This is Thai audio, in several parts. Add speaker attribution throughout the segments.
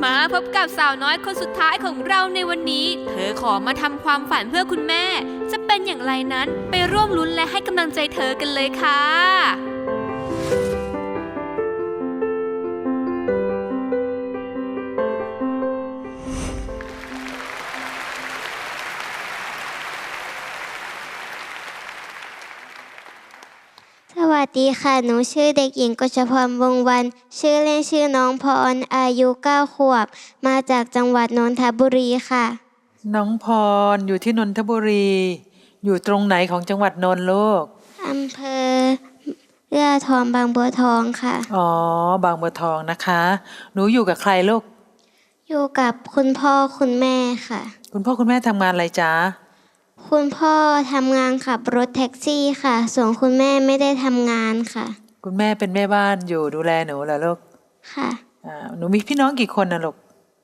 Speaker 1: มาพบกับสาวน้อยคนสุดท้ายของเราในวันนี้เธอขอมาทำความฝันเพื่อคุณแม่จะเป็นอย่างไรนั้นไปร่วมลุ้นและให้กำลังใจเธอกันเลยค่ะ
Speaker 2: สวัสดีค่ะหนูชื่อเด็กหญิงกฤษพรวงศ์วรรณชื่อเล่นชื่อน้องพรอายุ9 ขวบมาจากจังหวัดนนทบุรีค่ะ
Speaker 3: น้องพรอยู่ที่นนทบุรีอยู่ตรงไหนของจังหวัดนนท์ลูก
Speaker 2: อำเภอเอื้อทองบางบัวทองค่ะ
Speaker 3: อ๋อบางบัวทองนะคะหนูอยู่กับใครลูก
Speaker 2: อยู่กับคุณพ่อคุณแม่ค่ะ
Speaker 3: คุณพ่อคุณแม่ทำงานอะไรจ๊ะ
Speaker 2: คุณพ่อทำงานขับรถแท็กซี่ค่ะส่วนคุณแม่ไม่ได้ทำงานค่ะ
Speaker 3: คุณแม่เป็นแม่บ้านอยู่ดูแลหนูเหรอลูก
Speaker 2: ค่ะ
Speaker 3: หนูมีพี่น้องกี่คนนะลูก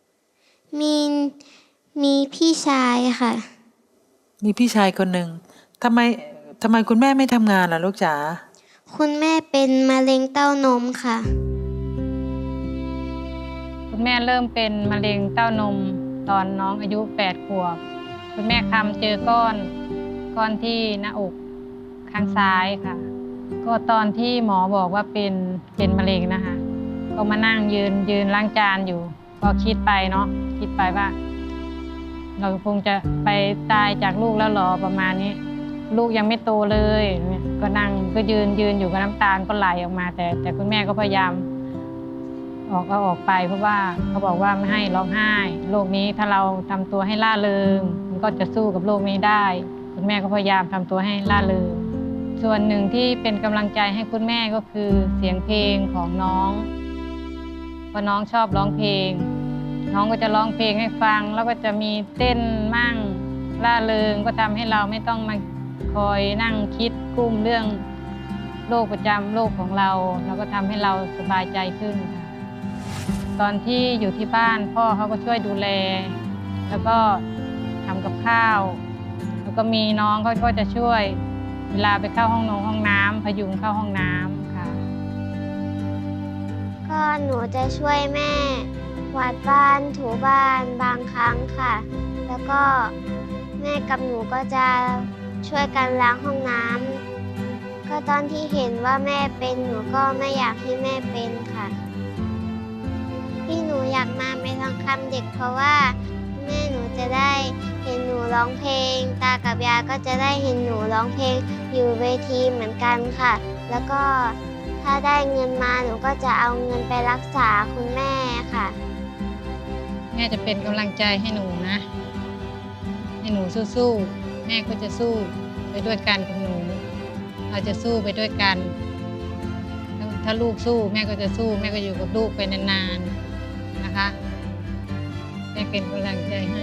Speaker 2: มีพี่ชายค่ะ
Speaker 3: มีพี่ชายคนหนึ่งทำไมคุณแม่ไม่ทำงานล่ะลูกจ๋า
Speaker 2: คุณแม่เป็นมะเร็งเต้านมค่ะ
Speaker 4: คุณแม่เริ่มเป็นมะเร็งเต้านมตอนน้องอายุ8 ขวบคุณแม่คำเจอก้อนที่หน้าอกข้างซ้ายค่ะก็ตอนที่หมอบอกว่าเป็นมะเร็งนะคะก็มานั่งยืนล้างจานอยู่ก็คิดไปเนาะคิดไปว่าเราคงจะไปตายจากลูกแล้วหรอประมาณนี้ลูกยังไม่โตเลยก็นั่งก็ยืนอยู่กับน้ำตาลก็ไหลออกมาแต่คุณแม่ก็พยายามเอาออกไปเพราะว่าเขาบอกว่าไม่ให้ร้องไห้โรคนี้ถ้าเราทำตัวให้ร่าเริงมันก็จะสู้กับโรคนี้ได้คุณแม่ก็พยายามทำตัวให้ร่าเริงส่วนหนึ่งที่เป็นกำลังใจให้คุณแม่ก็คือเสียงเพลงของน้องเพราะน้องชอบร้องเพลงน้องก็จะร้องเพลงให้ฟังแล้วก็จะมีเต้นมั่งร่าเริงก็ทำให้เราไม่ต้องมาคอยนั่งคิดกุ้มเรื่องโรคประจำโรคของเราแล้วก็ทำให้เราสบายใจขึ้นค่ะตอนที่อยู่ที่บ้านพ่อเขาก็ช่วยดูแลแล้วก็ทำกับข้าวแล้วก็มีน้องเขาก็จะช่วยเวลาไปเข้าห้องน้ำพยุงเข้าห้องน้ำค่ะ
Speaker 2: ก็หนูจะช่วยแม่กวาดบ้านถูบ้านบางครั้งค่ะแล้วก็แม่กับหนูก็จะช่วยกันล้างห้องน้ำก็ตอนที่เห็นว่าแม่เป็นหนูก็ไม่อยากให้แม่เป็นค่ะที่หนูอยากมาเป็นทองคำเด็กเพราะว่าแม่หนูจะได้เห็นหนูร้องเพลงตากับยายก็จะได้เห็นหนูร้องเพลงอยู่เวทีเหมือนกันค่ะแล้วก็ถ้าได้เงินมาหนูก็จะเอาเงินไปรักษาคุณแม่ค่ะ
Speaker 4: แม่จะเป็นกำลังใจให้หนูนะให้หนูสู้ๆแม่ก็จะสู้ไปด้วยกันกับหนูเราจะสู้ไปด้วยกันถ้าลูกสู้แม่ก็จะสู้แม่ก็อยู่กับลูกไปนานๆนะคะแม่เป็นกำลังใจให้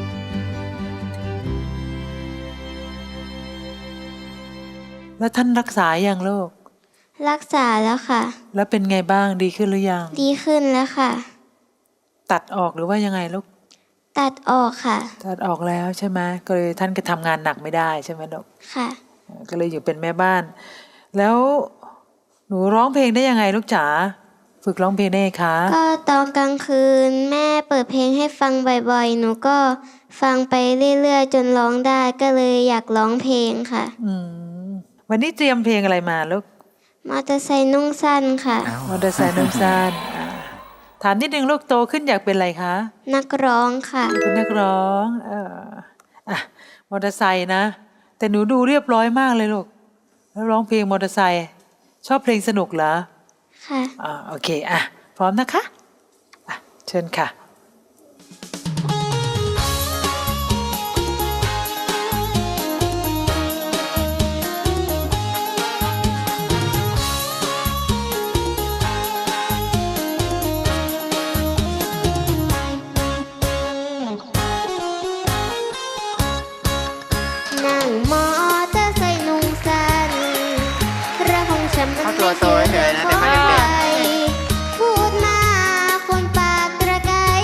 Speaker 3: แล้วท่านรักษาอย่างลูก
Speaker 2: รักษาแล้วค่ะ
Speaker 3: แล้วเป็นไงบ้างดีขึ้นหรือยัง
Speaker 2: ดีขึ้นแล้วค่ะ
Speaker 3: ตัดออกหรือว่ายังไงลูก
Speaker 2: ตัดออกค่ะ
Speaker 3: ตัดออกแล้วใช่ไหมก็เลยท่านก็ทำงานหนักไม่ได้ใช่ไหมลูก
Speaker 2: ค่ะ
Speaker 3: ก็เลยอยู่เป็นแม่บ้านแล้วหนูร้องเพลงได้ยังไงลูกจ๋าฝึกร้องเพลงได้ไงคะ
Speaker 2: ก็ตอนกลางคืนแม่เปิดเพลงให้ฟังบ่อยๆหนูก็ฟังไปเรื่อยๆจนร้องได้ก็เลยอยากร้องเพลงค่ะ
Speaker 3: วันนี้เตรียมเพลงอะไรมาลูก
Speaker 2: มอเตอร์ไซค์นุ่งสั้นค่ะ
Speaker 3: มอเตอร์ไซค์นุ่งสั้นถามนิดนึงลูกโตขึ้นอยากเป็นอะไรคะ
Speaker 2: นักร้องค่ะ
Speaker 3: เป็นนักร้องมอเตอร์ไซค์นะแต่หนูดูเรียบร้อยมากเลยลูกแล้วร้องเพลงมอเตอร์ไซค์ชอบเพลงสนุกเหรอ
Speaker 2: ค่ะ
Speaker 3: โอเคพร้อมนะคะเชิญค่ะ
Speaker 2: นั่งมอเตอร์ไซค์นุ่งสั้นระคงฉันมันไม่เชื่อคอยพูดมาคนปากตะไคร้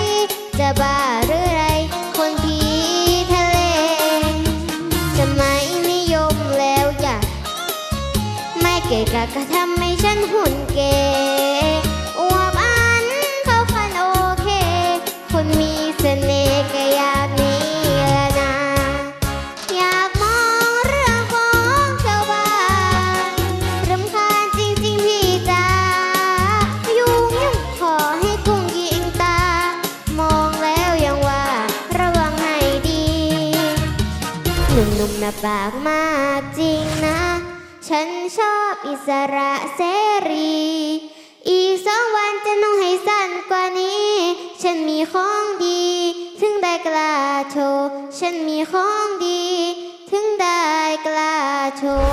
Speaker 2: บปากมากจริงนะ ฉันชอบอิสระเสรี อีก2 วันจะนุ่งให้สั้นกว่านี้ ฉันมีของดี ถึงได้กล้าโชว์ ฉันมีของดี ถึงได้กล้าโชว์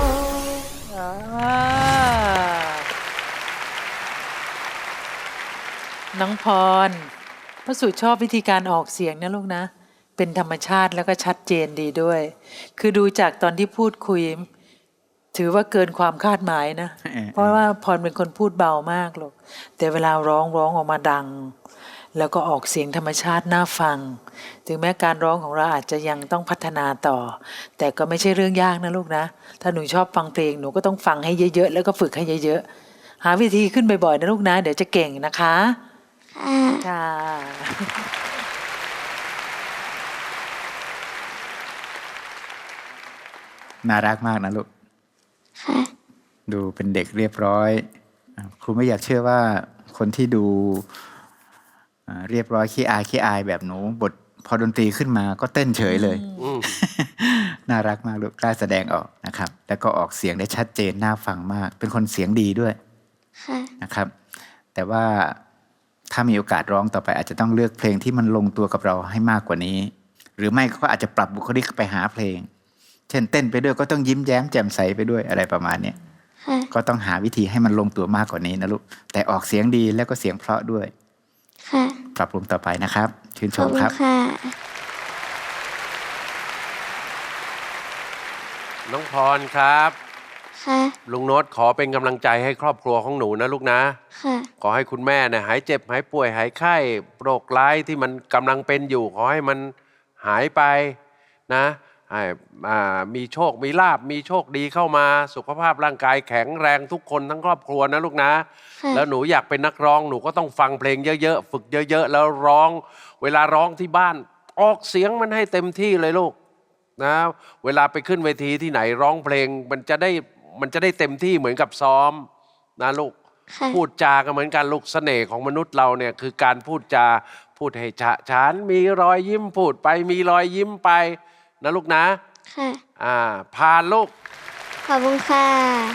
Speaker 3: น้องพรพระสุชอบวิธีการออกเสียงนะลูกนะ เป็นธรรมชาติแล้วก็ชัดเจนดีด้วย คือดูจากตอนที่พูดคุย ถือว่าเกินความคาดหมายนะ เพราะว่าพรเป็นคนพูดเบามากลูกแต่เวลาร้องออกมาดัง แล้วก็ออกเสียงธรรมชาติน่าฟัง ถึงแม้การร้องของเราอาจจะยังต้องพัฒนาต่อ แต่ก็ไม่ใช่เรื่องยากนะลูกนะ ถ้าหนูชอบฟังเพลงหนูก็ต้องฟังให้เยอะๆแล้วก็ฝึกให้เยอะๆหาวิธีขึ้นบ่อยๆนะลูกนะเดี๋ยวจะเก่งนะคะค่ะ
Speaker 5: น่ารักมากนะลูก
Speaker 2: ค่ะ
Speaker 5: ดูเป็นเด็กเรียบร้อยครูไม่อยากเชื่อว่าคนที่ดูเรียบร้อยขี้อายแบบหนูบทพอดนตรีขึ้นมาก็เต้นเฉยเลย น่ารักมากลูกกล้าแสดงออกนะครับแล้วก็ออกเสียงได้ชัดเจนน่าฟังมาก เป็นคนเสียงดีด้วย
Speaker 2: ค่ะ
Speaker 5: นะครับ แต่ว่าถ้ามีโอกาสร้องต่อไปอาจจะต้องเลือกเพลงที่มันลงตัวกับเราให้มากกว่านี้ หรือไม่ก็อาจจะปรับบุคลิกไปหาเพลง เช่นเต้นไปด้วยก็ต้องยิ้มแย้มแจ่มใสไปด้วยอะไรประมาณนี้
Speaker 2: ค่ะ
Speaker 5: ก็ต้องหาวิธีให้มันลงตัวมากกว่านี้นะลูกแต่ออกเสียงดีแล้วก็เสียงเพราะด้วย
Speaker 2: ค่ะ
Speaker 5: ปรับปรุงต่อไปนะครับชื่นช
Speaker 2: ขอบ
Speaker 5: ม
Speaker 2: คุ
Speaker 5: ค
Speaker 2: ณ
Speaker 5: รับ
Speaker 2: ค่ะ
Speaker 6: น้องพรครับ
Speaker 2: ค่ะ
Speaker 6: ลุงโน้ตขอเป็นกำลังใจให้ครอบครัวของหนูนะลูกนะ
Speaker 2: ค่ะ
Speaker 6: ขอให้คุณแม่เนี่ยหายเจ็บหายป่วยหายไข้โรคร้ายที่มันกำลังเป็นอยู่ขอให้มันหายไปนะให้มีโชคมีลาภมีโชคดีเข้ามาสุขภาพร่างกายแข็งแรงทุกคนทั้งครอบครัวนะลูกนะ
Speaker 2: ค่ะ
Speaker 6: แล้วหนูอยากเป็นนักร้องหนูก็ต้องฟังเพลงเยอะๆฝึกเยอะๆแล้วร้องเวลาร้องที่บ้านออกเสียงมันให้เต็มที่เลยลูกนะเวลาไปขึ้นเวทีที่ไหนร้องเพลงมันจะได้เต็มที่เหมือนกับซ้อมนะลูก
Speaker 2: ค่ะ
Speaker 6: พูดจากันเหมือนกันลูกเสน่ห์ของมนุษย์เราเนี่ยคือการพูดจาพูดให้ฉะฉานมีรอยยิ้มพูดไปมีรอยยิ้มไปนะลูกนะ
Speaker 2: ค่ะ
Speaker 6: ผ่านลูก
Speaker 2: ขอบคุณค่ะ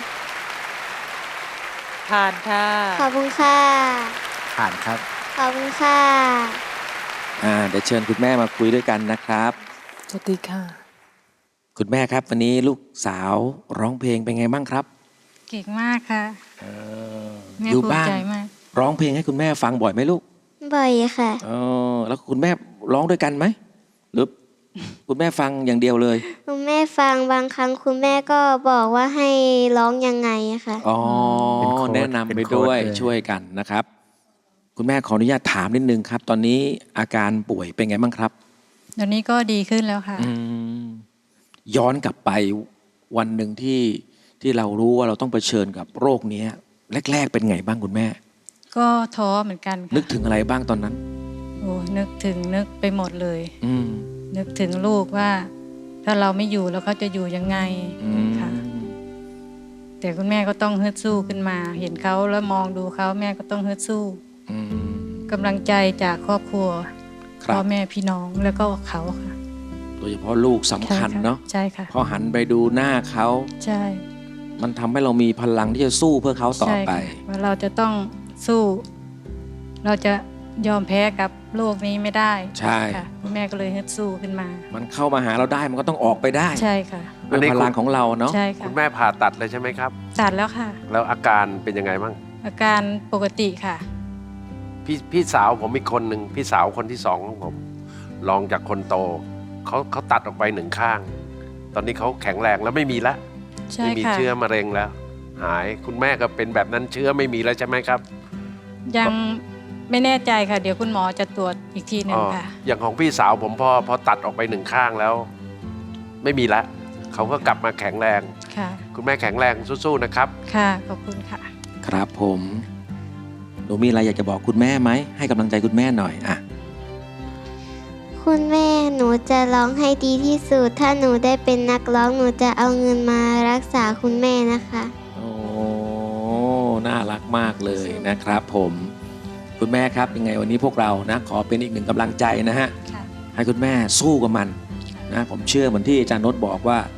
Speaker 3: ผ่านค่ะ
Speaker 2: ขอบคุณค่ะ
Speaker 5: ผ่านครับ
Speaker 2: ขอบคุณค่ะ
Speaker 7: เดี๋ยวเชิญคุณแม่มาคุยด้วยกันนะครับ
Speaker 3: สวัสดีค่ะ
Speaker 7: คุณแม่ครับวันนี้ลูกสาวร้องเพลงเป็นไงบ้างครับ
Speaker 4: เก่งมากค่ะแม่
Speaker 7: อยู่
Speaker 4: ภูมิ
Speaker 7: บ้าน
Speaker 4: ใจมาก
Speaker 7: ร้องเพลงให้คุณแม่ฟังบ่อยไหมลูก
Speaker 2: บ่อยค่ะ
Speaker 7: แล้วคุณแม่ร้องด้วยกันไหมหรือ คุณแม่ฟังอย่างเดียวเลย
Speaker 2: คุณแม่ฟังบางครั้งคุณแม่ก็บอกว่าให้ร้องยังไงอะค่ะ
Speaker 7: อ๋อ
Speaker 5: เป็นโค้ช
Speaker 7: แนะนำไป
Speaker 5: เป็นโค้ช
Speaker 7: ด้วย
Speaker 5: เลย
Speaker 7: ช่วยกันนะครับ คุณแม่ขออนุญาตถามนิดนึงครับ ตอนนี้อาการป่วยเป็นไงบ้างครับ
Speaker 4: เดี๋ยวนี้ก็ดีขึ้นแล้วค่ะ
Speaker 7: อืมย้อนกลับไปวันหนึ่งที่เรารู้ว่าเราต้องเผชิญกับโรคนี้แรก ๆ เป็นไงบ้างคุณแม่
Speaker 4: ก็ท้อเหมือนกันค่ะ
Speaker 7: นึกถึงอะไรบ้างตอนนั้น
Speaker 4: โอ้นึกไปหมดเลย
Speaker 7: อืม
Speaker 4: นึกถึงลูกว่า ถ้าเราไม่อยู่แล้วเขาจะอยู่ยังไง
Speaker 7: อืม
Speaker 4: ค่ะ แต่คุณแม่ก็ต้องฮึดสู้ขึ้นมา เห็นเขาแล้วมองดูเขาแม่ก็ต้องฮึดสู้
Speaker 7: อืม
Speaker 4: กำลังใจจากครอบครัว
Speaker 7: ครั
Speaker 4: พ่อบ แม่พี่น้องแล้วก็เขาค่ะ
Speaker 7: โดยเฉพาะลูกสำคัญเนาะ
Speaker 4: ใช่ค่ะ
Speaker 7: พอหันไปดูหน้าเขา
Speaker 4: ใช่
Speaker 7: มันทำให้เรามีพลังที่จะสู้เพื่อเขาต่อ
Speaker 4: ใช่
Speaker 7: ไป
Speaker 4: ค่ะว่าเราจะต้องสู้ เราจะยอมแพ้กับโลกนี้ไม่ได้
Speaker 7: ใช่
Speaker 4: ค่ะคุณแม่ก็เลยฮึดสู้ขึ้นมา
Speaker 7: มันเข้ามาหาเราได้มันก็ต้องออกไปได้
Speaker 4: ใช่ค่ะ
Speaker 7: ด้วยพลังของเราเนาะ
Speaker 4: ใช่ค่ะ
Speaker 6: คุณแม่ผ่าตัดเลยใช่ไหมครับ
Speaker 4: ตัดแล้วค่ะ
Speaker 6: แล้วอาการเป็นยังไงบ้าง
Speaker 4: อาการปกติค่ะ
Speaker 6: พี่สาวผมอีกคนหนึ่งพี่สาวคนที่สองของผมรองจากคนโตเขาตัดออกไปหนึ่งข้าง ตอนนี้เขาแข็งแรงแล้วไม่มีแล้ว
Speaker 4: ใช่
Speaker 6: ไม่มี
Speaker 4: ค่ะ
Speaker 6: เชื้อมะเร็งแล้ว หายคุณแม่ก็เป็นแบบนั้นเชื้อไม่มีแล้วใช่ไหมครับ
Speaker 4: ยังไม่แน่ใจค่ะ เดี๋ยวคุณหมอจะตรวจอีกทีหนึ่งค่ะ
Speaker 6: อย่างของพี่สาวผมพอตัดออกไปหนึ่งข้างแล้ว ไม่มีแล้วเขาก็กลับมาแข็งแรง
Speaker 4: ค่ะ
Speaker 6: คุณแม่แข็งแรงสู้ๆนะครับ
Speaker 4: ค่ะ ขอบคุณค่ะ
Speaker 7: ครับผมหนูมีอะไรอยากจะบอกคุณแม่ไหมให้กำลังใจคุณแม่หน่อยอ่ะ
Speaker 2: คุณแม่หนูจะร้องให้ดีที่สุด ถ้าหนูได้เป็นนักร้องหนูจะเอาเงินมารักษาคุณแม่นะคะ
Speaker 7: โอ้น่ารักมากเลยนะครับผมคุณแม่ครับยังไงวันนี้พวกเรานะขอเป็นอีกหนึ่งกำลังใจนะฮะ
Speaker 4: ค่ะ
Speaker 7: ให้คุณแม่สู้กับมันนะผมเชื่อเหมือนที่อาจารย์นชบอกว่า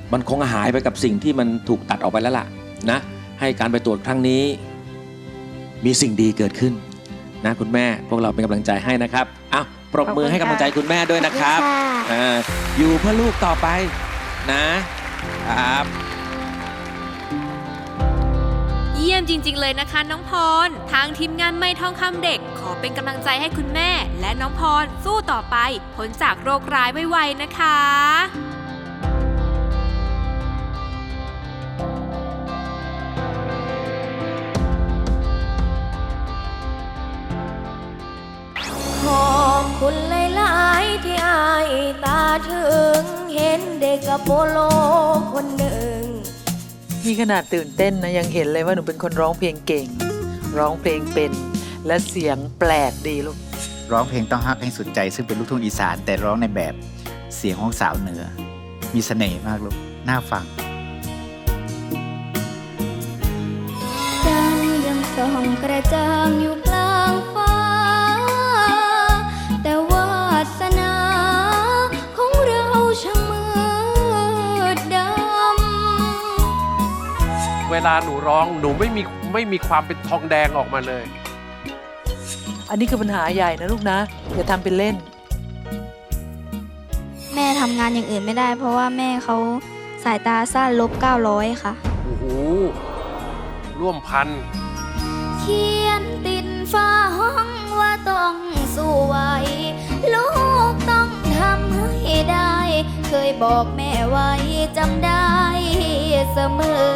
Speaker 7: มันคงหายไปกับสิ่งที่มันถูกตัดออกไปแล้วล่ะนะให้การไปตรวจครั้งนี้ มีสิ่งดีเกิดขึ้นนะคุณแม่พวกเราเป็นกำลังใจให้นะครับอ้าวปรบมือให้กำลังใจคุณแม่ด้วยนะครับ
Speaker 2: ขอบคุณค่ะ
Speaker 7: อยู่เพื่อลูกต่อไปนะครับ
Speaker 1: เยี่ยมจริง ๆ เลยนะคะน้องพร ทางทีมงานไม่ทองคำเด็ก ขอเป็นกำลังใจให้คุณแม่ และน้องพรสู้ต่อไปพ้นจากโรคร้ายไวๆนะคะ
Speaker 8: ขอบคุณหลายๆที่อายตาถึง เห็นเด็กกับโปโลคนหนึ่ง
Speaker 3: นี่ขนาดตื่นเต้นนะยังเห็นเลยว่าหนูเป็นคนร้องเพลงเก่ง ร้องเพลงเป็น และเสียงแปลกดีลูก
Speaker 5: ร้องเพลงต้องฮักให้สุดใจ ซึ่งเป็นลูกทุ่งอีสาน แต่ร้องในแบบเสียงของสาวเหนือ มีเสน่ห์มากลูกน่าฟัง
Speaker 8: ดาวยังส่องกระจ่างอยู่กลางฟ้า แต่วาสนาของเราช่างมืดดำ
Speaker 6: เวลาหนูร้องหนูไม่มีความเป็นทองแดงออกมาเลย
Speaker 3: อันนี้คือปัญหาใหญ่นะลูกนะอย่าทำเป็นเล่น
Speaker 2: แม่ทำงานอย่างอื่นไม่ได้ เพราะว่าแม่เขาสายตาสั้นลบ900 ค่ะ
Speaker 6: โอ้โห ร่วมพัน
Speaker 8: เขียนติดฟ้าห้องว่าต้องสู้ไหวลูกต้องทำให้ได้ เคยบอกแม่ไว้จำได้เสมอ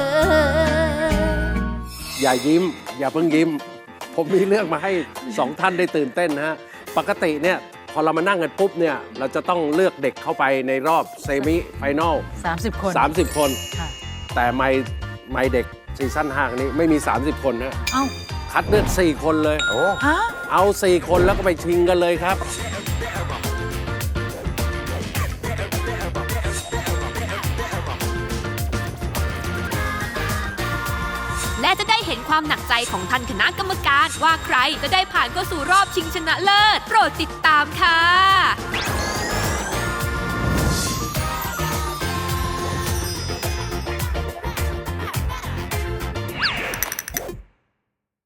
Speaker 6: อย่ายิ้ม อย่าเพิ่งยิ้ม ผมมีเรื่องมาให้สองท่านได้ตื่นเต้นนะฮะ ปกติเนี่ยพอเรามานั่งกันปุ๊บเนี่ยเราจะต้องเลือกเด็กเข้าไปในรอบเซมิไฟแนล
Speaker 3: 30 คน
Speaker 6: 30 คน
Speaker 3: ค่ะ
Speaker 6: แต่ไม่เด็กซีซั่น5นี้ไม่มี 30 คนฮะ
Speaker 3: เอ้า
Speaker 6: คัดเลือก4 คนเลย
Speaker 3: ฮะ
Speaker 6: เอา 4 คนแล้วก็ไปชิงกันเลยครับ
Speaker 1: และจะได้เห็นความหนักใจของท่านคณะกรรมการว่าใครจะได้ผ่านเข้าสู่รอบชิงชนะเลิศ โปรดติดตามค่ะ